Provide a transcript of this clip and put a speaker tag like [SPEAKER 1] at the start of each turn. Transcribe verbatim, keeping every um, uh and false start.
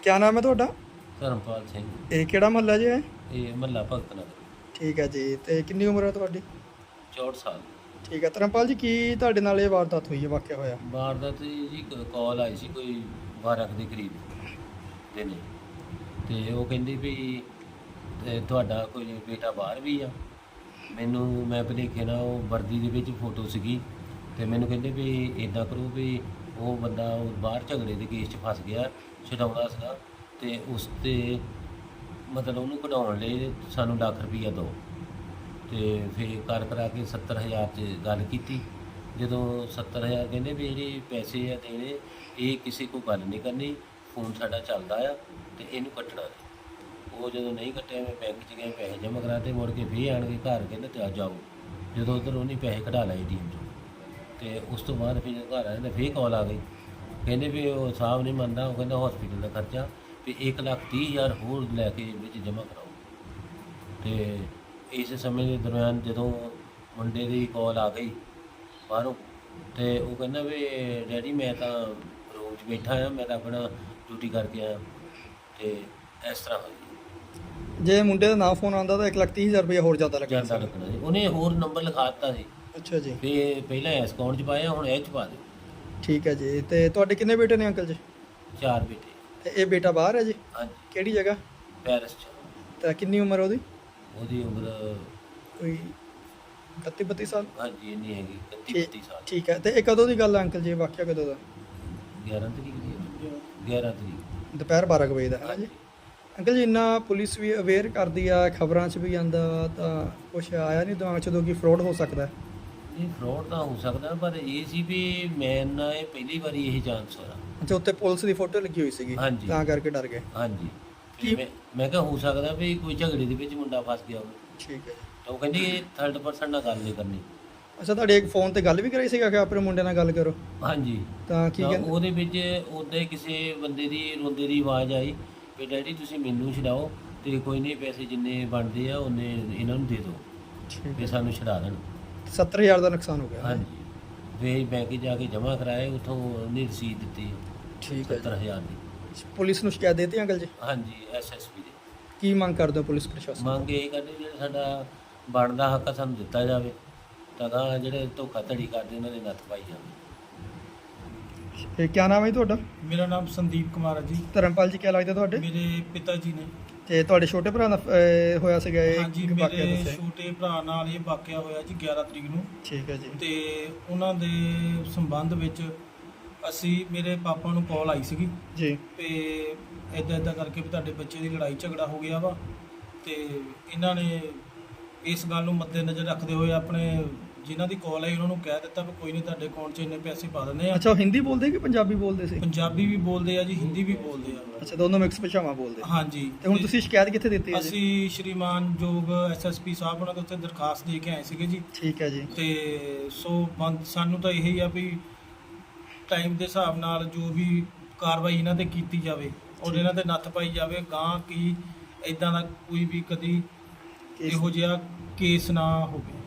[SPEAKER 1] क्या नाम है ਤੁਹਾਡਾ?
[SPEAKER 2] ਧਰਮਪਾਲ ਸਿੰਘ।
[SPEAKER 1] ਇਹ ਕਿਹੜਾ ਮਹੱਲਾ ਜੀ ਹੈ?
[SPEAKER 2] ਇਹ ਮਹੱਲਾ ਭਗਤ ਨਗਰ।
[SPEAKER 1] ਠੀਕ ਹੈ ਜੀ। ਤੇ ਕਿੰਨੀ ਉਮਰ ਹੈ ਤੁਹਾਡੀ?
[SPEAKER 2] ਚੌਂਹਠ ਸਾਲ।
[SPEAKER 1] ਠੀਕ ਹੈ ਧਰਮਪਾਲ ਜੀ, ਕੀ ਤੁਹਾਡੇ ਨਾਲ ਇਹ ਵਾਰਦਾਤ ਹੋਈ ਹੈ, ਵਾਕਿਆ ਹੋਇਆ?
[SPEAKER 2] ਵਾਰਦਾਤ ਜੀ ਕਾਲ ਆਈ ਸੀ ਕੋਈ ਬਾਰਾਂ ਕੁ ਦੇ ਕਰੀਬ ਦੇ ਨੇ, ਤੇ ਉਹ ਕਹਿੰਦੀ ਵੀ ਤੇ ਤੁਹਾਡਾ ਕੋਈ ਬੇਟਾ ਬਾਹਰ ਵੀ ਆ। ਮੈਨੂੰ ਮੈਂ ਭੁਲੇਖੇ ਨਾਲ ਉਹ ਵਰਦੀ ਦੇ ਵਿੱਚ ਫੋਟੋ ਸੀਗੀ, ਤੇ ਮੈਨੂੰ ਕਹਿੰਦੇ ਵੀ ਇੱਦਾਂ ਕਰੋ ਵੀ ਉਹ ਬੰਦਾ ਉਹ ਬਾਹਰ ਝਗੜੇ ਦੇ ਕੇਸ 'ਚ ਫਸ ਗਿਆ, ਛਡਾਉਣਾ ਸੀਗਾ, ਤੇ ਉਸ 'ਤੇ ਮਤਲਬ ਉਹਨੂੰ ਕਢਾਉਣ ਲਈ ਸਾਨੂੰ ਲੱਖ ਰੁਪਈਆ ਦਿਓ। ਤੇ ਫਿਰ ਕਰ ਕਰਾ ਕੇ ਸੱਤਰ ਹਜ਼ਾਰ 'ਚ ਗੱਲ ਕੀਤੀ। ਜਦੋਂ ਸੱਤਰ ਹਜ਼ਾਰ ਕਹਿੰਦੇ ਵੀ ਜਿਹੜੇ ਪੈਸੇ ਆ ਦੇਣੇ, ਇਹ ਕਿਸੇ ਕੋਲ ਗੱਲ ਨਹੀਂ ਕਰਨੀ, ਫੋਨ ਸਾਡਾ ਚੱਲਦਾ ਆ ਤੇ ਇਹਨੂੰ ਕੱਟਣਾ ਨਹੀਂ। ਉਹ ਜਦੋਂ ਨਹੀਂ ਕੱਟਿਆ, ਮੈਂ ਬੈਂਕ 'ਚ ਗਏ, ਪੈਸੇ ਜਮ੍ਹਾਂ ਕਰਾਤੇ, ਮੁੜ ਕੇ ਫਿਰ ਆਣ ਕੇ ਘਰ ਕਹਿੰਦੇ ਤੇ ਆ ਜਾਓ। ਜਦੋਂ ਉੱਧਰ ਉਹਨੇ ਪੈਸੇ ਕਢਾ ਲਏ ਏ ਟੀ ਐਮ 'ਚੋਂ, ਤੇ ਉਸ ਤੋਂ ਬਾਅਦ ਫਿਰ ਜਦੋਂ ਘਰ ਆਏ ਤਾਂ ਫਿਰ ਕਾਲ ਆ ਗਈ, ਕਹਿੰਦੇ ਵੀ ਉਹ ਸਾਹਿਬ ਨਹੀਂ ਮੰਨਦਾ, ਉਹ ਕਹਿੰਦਾ ਹੌਸਪੀਟਲ ਦਾ ਖਰਚਾ ਵੀ ਇੱਕ ਲੱਖ ਤੀਹ ਹਜ਼ਾਰ ਹੋਰ ਲੈ ਕੇ ਵਿੱਚ ਜਮ੍ਹਾਂ ਕਰਾਓ। ਤੇ ਇਸ ਸਮੇਂ ਦੇ ਦਰਮਿਆਨ ਜਦੋਂ ਮੁੰਡੇ ਦੀ ਕਾਲ ਆ ਗਈ ਬਾਹਰੋਂ, ਤੇ ਉਹ ਕਹਿੰਦਾ ਵੀ ਡੈਡੀ ਮੈਂ ਤਾਂ ਰੂਮ 'ਚ ਬੈਠਾ ਆ, ਮੈਂ ਤਾਂ ਆਪਣਾ ਡਿਊਟੀ ਕਰਕੇ ਆਇਆ, ਤੇ ਇਸ ਤਰ੍ਹਾਂ ਹੋਈ।
[SPEAKER 1] ਜੇ ਮੁੰਡੇ ਦਾ ਨਾਂ ਫੋਨ ਆਉਂਦਾ ਤਾਂ ਇੱਕ ਲੱਖ ਤੀਹ ਹਜ਼ਾਰ ਰੁਪਏ ਹੋਰ ਜ਼ਿਆਦਾ ਲੱਗਣਾ
[SPEAKER 2] ਜਾਂਦਾ ਲੱਗਣਾ ਜੀ। ਉਹਨੇ ਹੋਰ ਨੰਬਰ ਲਿਖਾ ਦਿੱਤਾ ਸੀ
[SPEAKER 1] ਅੱਛਾ ਜੀ।
[SPEAKER 2] ਵੀ ਪਹਿਲਾਂ ਇਸ ਅਕਾਊਂਟ 'ਚ ਪਾਇਆ, ਹੁਣ ਇਹ 'ਚ ਪਾ ਦਿਓ।
[SPEAKER 1] ਠੀਕ ਹੈ ਜੀ। ਤੇ ਤੁਹਾਡੇ ਕਿੰਨੇ ਬੇਟੇ ਨੇ ਅੰਕਲ ਜੀ?
[SPEAKER 2] ਚਾਰ ਬੇਟੇ।
[SPEAKER 1] ਤੇ ਇਹ ਬੇਟਾ ਬਾਹਰ ਹੈ ਜੀ?
[SPEAKER 2] ਹਾਂਜੀ,
[SPEAKER 1] ਕਿਹੜੀ ਜਗ੍ਹਾ?
[SPEAKER 2] ਪੈਰਿਸ 'ਚ।
[SPEAKER 1] ਤਾਂ ਕਿੰਨੀ ਉਮਰ ਉਹਦੀ?
[SPEAKER 2] ਉਹਦੀ ਉਮਰ
[SPEAKER 1] ਕੋਈ ਇਕੱਤੀ ਬੱਤੀ ਸਾਲ?
[SPEAKER 2] ਹਾਂਜੀ ਇੰਨੀ ਹੈਗੀ, ਇਕੱਤੀ
[SPEAKER 1] ਠੀਕ-
[SPEAKER 2] ਬੱਤੀ ਸਾਲ।
[SPEAKER 1] ਠੀਕ ਹੈ। ਤੇ ਇਹ ਕਦੋਂ ਦੀ ਗੱਲ ਹੈ ਅੰਕਲ ਜੀ, ਇਹ ਵਾਕਿਆ ਕਦੋਂ ਦਾ?
[SPEAKER 2] ਗਿਆਰਾਂ ਤਰੀਕ ਦੀ ਹੈ। ਗਿਆਰਾਂ ਤਰੀਕ।
[SPEAKER 1] ਦੁਪਹਿਰ ਬਾਰਾਂ ਕੁ ਵਜੇ ਦਾ ਹੈ ਨਾ ਜੀ? ਅੰਕਲ ਜੀ, ਇੰਨਾ ਪੁਲਿਸ ਵੀ ਅਵੇਅਰ ਕਰਦੀ ਆ, ਖਬਰਾਂ 'ਚ ਵੀ ਆਉਂਦਾ, ਤਾਂ ਕੁਛ ਆਇਆ ਨਹੀਂ ਦਿਮਾਗ 'ਚ ਉਦੋਂ ਕਿ ਫਰੋਡ ਹੋ ਸਕਦਾ?
[SPEAKER 2] ਇਹ ਫਰੋਡ ਤਾਂ ਹੋ ਸਕਦਾ, ਪਰ ਇਹ ਸੀ ਵੀ ਮੈਂ ਨਾ ਇਹ ਪਹਿਲੀ ਵਾਰੀ ਇਹ ਚਾਂਸ ਹੋਇਆ।
[SPEAKER 1] ਅੱਛਾ, ਉੱਤੇ ਪੁਲਿਸ ਦੀ ਫੋਟੋ ਲੱਗੀ ਹੋਈ ਸੀਗੀ,
[SPEAKER 2] ਹਾਂਜੀ।
[SPEAKER 1] ਤਾਂ ਕਰਕੇ ਡਰ ਗਏ?
[SPEAKER 2] ਹਾਂਜੀ।
[SPEAKER 1] ਕੀ-
[SPEAKER 2] ਮੈਂ ਮੈਂ ਕਿਹਾ ਹੋ ਸਕਦਾ ਵੀ ਕੋਈ ਝਗੜੇ ਦੇ ਵਿੱਚ ਮੁੰਡਾ ਫਸ ਗਿਆ ਹੋਵੇ।
[SPEAKER 1] ਠੀਕ ਹੈ ਜੀ।
[SPEAKER 2] ਤਾਂ ਉਹ ਕਹਿੰਦੀ ਥਰਡ ਪਰਸਨ ਨਾਲ ਗੱਲ ਨਹੀਂ ਕਰਨੀ।
[SPEAKER 1] ਅੱਛਾ, ਤੁਹਾਡੇ ਇੱਕ ਫੋਨ ਤੇ ਗੱਲ ਵੀ ਕਰਾਈ ਸੀਗਾ ਕਿ ਆਪਣੇ ਮੁੰਡੇ ਨਾਲ ਗੱਲ ਕਰੋ?
[SPEAKER 2] ਹਾਂਜੀ।
[SPEAKER 1] ਤਾਂ ਕੀ
[SPEAKER 2] ਤਾਂ
[SPEAKER 1] ਕਹਿੰਦੇ?
[SPEAKER 2] ਉਹਦੇ ਵਿੱਚ ਉੱਦਾਂ ਹੀ ਕਿਸੇ ਬੰਦੇ ਦੀ ਰੋਂਦੇ ਦੀ ਆਵਾਜ਼ ਆਈ ਵੀ ਡੈਡੀ ਤੁਸੀਂ ਮੈਨੂੰ ਛਡਾਓ, ਤੇ ਕੋਈ ਨਹੀਂ ਪੈਸੇ ਜਿੰਨੇ ਬਣਦੇ ਆ ਉਹਨੇ ਇਹਨਾਂ ਨੂੰ ਦੇ ਦਿਓ
[SPEAKER 1] ਠੀਕ
[SPEAKER 2] ਵੀ
[SPEAKER 1] ਹੈ।
[SPEAKER 2] ਸਾਨੂੰ ਛਡਾ ਦੇਣ।
[SPEAKER 1] ਸੱਤਰ ਹਜ਼ਾਰ ਦਾ ਨੁਕਸਾਨ ਹੋ ਗਿਆ?
[SPEAKER 2] ਹਾਂਜੀ। ਫਿਰ ਬੈਂਕ 'ਚ ਜਾ ਕੇ ਜਮ੍ਹਾਂ ਕਰਾਏ, ਉੱਥੋਂ ਉਹਨੇ ਰਸੀਦ ਦਿੱਤੀ
[SPEAKER 1] ਠੀਕ ਹੈ
[SPEAKER 2] ਸੱਤਰ
[SPEAKER 1] ਜੀ।
[SPEAKER 2] ਹਜ਼ਾਰ ਦੀ।
[SPEAKER 1] ਪੁਲਿਸ ਨੂੰ ਸ਼ਿਕਾਇਤ ਦੇਤੀ ਅੰਕਲ ਜੀ?
[SPEAKER 2] ਹਾਂਜੀ, ਐਸ ਐਸ ਪੀ ਦੇ।
[SPEAKER 1] ਕੀ ਮੰਗ ਕਰਦੇ ਹੋ ਪੁਲਿਸ ਪ੍ਰਸ਼ਾਸਨ?
[SPEAKER 2] ਮੰਗ ਇਹ ਕਰਦੇ ਜਿਹੜਾ ਸਾਡਾ ਬਣਦਾ ਹੱਕ ਆ ਸਾਨੂੰ ਦਿੱਤਾ ਜਾਵੇ, ਤਾਂ ਅਗਾਂਹ ਜਿਹੜੇ ਧੋਖਾਧੜੀ ਕਰਦੇ ਉਹਨਾਂ ਦੇ ਨੱਥ ਪਾਈ ਜਾਵੇ।
[SPEAKER 1] ਇਹ ਕੀ ਨਾਮ ਹੈ ਜੀ ਤੁਹਾਡਾ?
[SPEAKER 3] ਮੇਰਾ ਨਾਮ ਸੰਦੀਪ ਕੁਮਾਰ ਹੈ ਜੀ।
[SPEAKER 1] ਧਰਮਪਾਲ ਜੀ, ਕੀ ਲੱਗਦਾ ਤੁਹਾਡੇ?
[SPEAKER 3] ਮੇਰੇ ਪਿਤਾ ਜੀ ਨੇ।
[SPEAKER 1] ਤੇ ਤੁਹਾਡੇ ਛੋਟੇ ਭਰਾ ਦਾ ਅਹ, ਹੋਇਆ ਸੀਗਾ ਇਹ
[SPEAKER 3] ਹਾਂਜੀ,
[SPEAKER 1] ਵਾਕਿਆ
[SPEAKER 3] ਮੇਰੇ
[SPEAKER 1] ਦੱਸਿਆ?
[SPEAKER 3] ਛੋਟੇ ਭਰਾ ਨਾਲ ਇਹ ਵਾਕਿਆ ਹੋਇਆ ਜੀ ਗਿਆਰਾਂ ਤਰੀਕ ਨੂੰ।
[SPEAKER 1] ਠੀਕ ਹੈ ਜੀ।
[SPEAKER 3] ਤੇ ਉਹਨਾਂ ਦੇ ਸੰਬੰਧ ਵਿੱਚ ਅਸੀਂ ਮੇਰੇ ਪਾਪਾ ਨੂੰ ਕਾਲ ਆਈ ਸੀਗੀ
[SPEAKER 1] ਜੀ।
[SPEAKER 3] ਤੇ ਇਦਾਂ ਇਦਾਂ ਕਰਕੇ ਵੀ ਤੁਹਾਡੇ ਬੱਚੇ ਦੀ ਲੜਾਈ ਝਗੜਾ ਹੋ ਗਿਆ ਵਾ, ਤੇ ਇਹਨਾਂ ਨੇ ਇਸ ਗੱਲ ਨੂੰ ਮੱਦੇਨਜ਼ਰ ਰੱਖਦੇ ਹੋਏ ਆਪਣੇ ਜਿਨ੍ਹਾਂ ਦੀ ਕਾਲ ਆਈ ਉਹਨਾਂ ਨੂੰ ਕਹਿ ਦਿੱਤਾ ਵੀ ਕੋਈ ਨਹੀਂ, ਤੁਹਾਡੇ ਅਕਾਊਂਟ 'ਚ ਇੰਨੇ ਪੈਸੇ ਪਾ ਦਿੰਦੇ ਆ।
[SPEAKER 1] ਅੱਛਾ, ਉਹ ਹਿੰਦੀ ਬੋਲਦੇ ਕਿ ਪੰਜਾਬੀ ਬੋਲਦੇ ਸੀ?
[SPEAKER 3] ਪੰਜਾਬੀ ਵੀ ਬੋਲਦੇ ਆ ਜੀ, ਹਿੰਦੀ ਵੀ ਬੋਲਦੇ ਆ।
[SPEAKER 1] ਅੱਛਾ, ਦੋਨੋਂ ਮਿਕਸ ਭਾਸ਼ਾਵਾਂ ਬੋਲਦੇ?
[SPEAKER 3] ਹਾਂਜੀ।
[SPEAKER 1] ਤੇ ਹੁਣ ਤੁਸੀਂ ਸ਼ਿਕਾਇਤ ਕਿੱਥੇ ਦਿੱਤੀ ਹੈ ਜੀ?
[SPEAKER 3] ਅਸੀਂ ਸ਼੍ਰੀਮਾਨ ਜੋਗ ਐਸ ਐਸ ਪੀ ਸਾਹਿਬ ਉਹਨਾਂ ਦੇ ਉੱਤੇ ਦਰਖਾਸਤ ਦੇ ਕੇ ਆਏ ਸੀਗੇ ਜੀ।
[SPEAKER 1] ਠੀਕ ਹੈ ਜੀ।
[SPEAKER 3] ਤੇ ਸੋ ਬੰਦ ਸਾਨੂੰ ਤਾਂ ਇਹੀ ਆ ਵੀ ਟਾਈਮ ਦੇ ਹਿਸਾਬ ਨਾਲ ਜੋ ਵੀ ਕਾਰਵਾਈ ਇਹਨਾਂ ਤੇ ਕੀਤੀ ਜਾਵੇ ਔਰ ਇਹਨਾਂ ਤੇ ਨੱਥ ਪਾਈ ਜਾਵੇ, ਗਾਂ ਕੀ ਇਦਾਂ ਦਾ ਕੋਈ ਵੀ ਕਦੀ
[SPEAKER 1] ਕੇਸ-
[SPEAKER 3] ਇਹੋ ਜਿਹਾ ਕੇਸ ਨਾ ਹੋਵੇ।